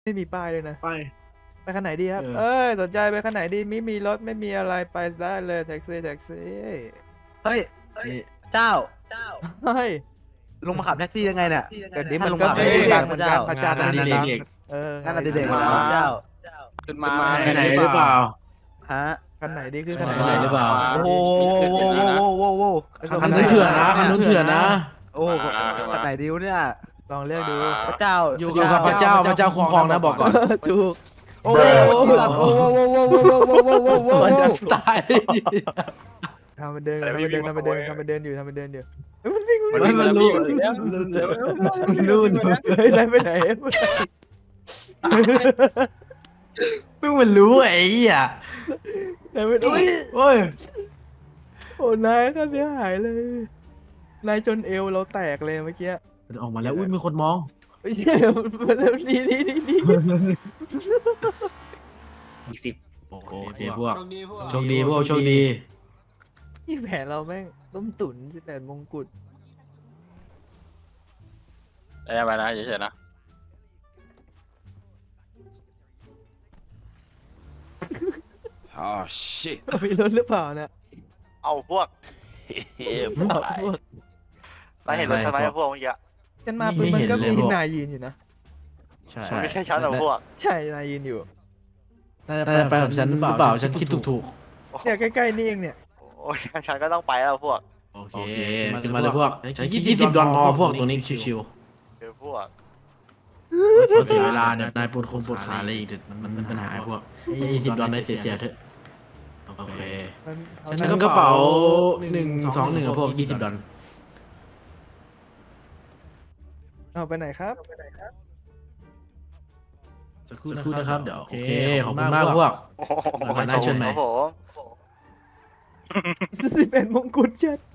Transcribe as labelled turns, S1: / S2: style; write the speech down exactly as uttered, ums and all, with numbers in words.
S1: ไม่มีป้ายเลยนะ
S2: ไป
S1: ไปคันไหนดีครับเอ้ยสนใจไปคันไหนดีไม่มีรถไม่มีอะไรไปได้เลยแท็กซี่แท็กซี่
S3: เฮ้ยเจ้า
S1: เฮ้ย
S3: ลงมาขับแท็กซี่ยังไงเนี่ย
S1: เดี๋ยวนี้
S3: ถ้า
S1: มัน
S3: ลง
S1: ก็
S3: มา
S1: ไม่
S3: ไม่
S1: ได้
S3: ได้
S1: ดั
S3: ดั
S1: ง
S3: ง
S1: เหมือน
S3: เจ้า
S1: กันอาจารย์
S2: งานอดิเรก
S1: เออ
S3: งั้นเด็กๆเจ้า
S4: ขึ้นมา
S2: ไปไหนหรือเปล่า
S3: ฮะ
S1: คันไหนดีขึ้นคัน
S2: ไปไหนหรือเปล่า
S3: โอ้โหโว้โว้โว้โว้
S2: คันนู้นเถื่อนนะคันนู้นเถื่อนนะ
S3: โอ้ขันไหนดิวเนี่ย
S1: ลองเลือกดู
S3: พระเจ้า
S2: อยู่กับพระเจ้าพระเจ้าคุ้มครองนะบอกก่อน
S1: ถูก
S3: โอ้โหโอ้โหโอ้โหโอ้โหโอ้โหโอ้โหโอ้โห
S2: ตาย
S1: ทำมันเดินทำมันเดินทำมันเดินทำมันเดินอยู่ทำมันเดินอยู่
S2: มันมันรู้รู้
S1: เฮ้ยได้ไปไหน
S2: เพิ่งมันรู้ไอ้เหี้ย
S1: ได้ไปไหน
S2: โอ้ย
S1: โอ้นายก็เสียหายเลยนายจนเอวเราแตกเลยเมื่อกี้
S2: ออกมาแล้วอุ้ยมีคนมอง
S1: ไม่ใช่มันแล้วดีดีดีดี
S4: อีกสิบ
S2: โอเคพวก
S4: โชคดีพวก
S2: โชคดีพวกโชคดี
S1: นี่แผนเราแม่งต้มตุ๋นสิบแปดมงกุฎ
S4: ได้ไปนะเฉยๆนะ
S5: อ๋อ shit
S1: มีรถหรือเปล่าเนี่ย
S6: เอาพวก
S1: พวกพวก
S6: เราเห็นรถทำไมอะพวกเมื่อกี้
S1: กันมาปืนมันก็มีนายยืนอยู่นะ
S2: ใช่
S6: มันไม่ใช่ชั้นหรอกพวก
S1: ใช่นายยืนอยู่
S2: น่าจะไปกับฉันหรือเปล่าฉันคิดถูก
S1: เนี่ยใกล้ๆนี่เองเนี่ย
S6: โอ้ยชั้นก็ต้องไปแล้วพวก
S2: โอเคขึ้นมาเลยพวกฉันคิดยี่สิบดอลพอพวกตัวนี้ชิว
S6: เดี๋ยวพวก
S2: ๆเสียเวลาเนี่ยนายปวดคงปวดขาอะไรอีกเดี๋ยวมันมันปัญหาพวกยี่สิบดอลนายเสียเสียเถอะโอเค ฉันกระเป๋าหนึ่งสองหนึ่งกับพวกยี่สิบดอล
S1: เอาไปไหนครับ
S2: สักครู่นะครับเดี๋ยวโอเคขอบคุณมากพวก
S6: โอ้โห
S2: นายเชิญไหม
S6: ครับผม
S1: สิบเอ็ดมงกุฎเจ็ด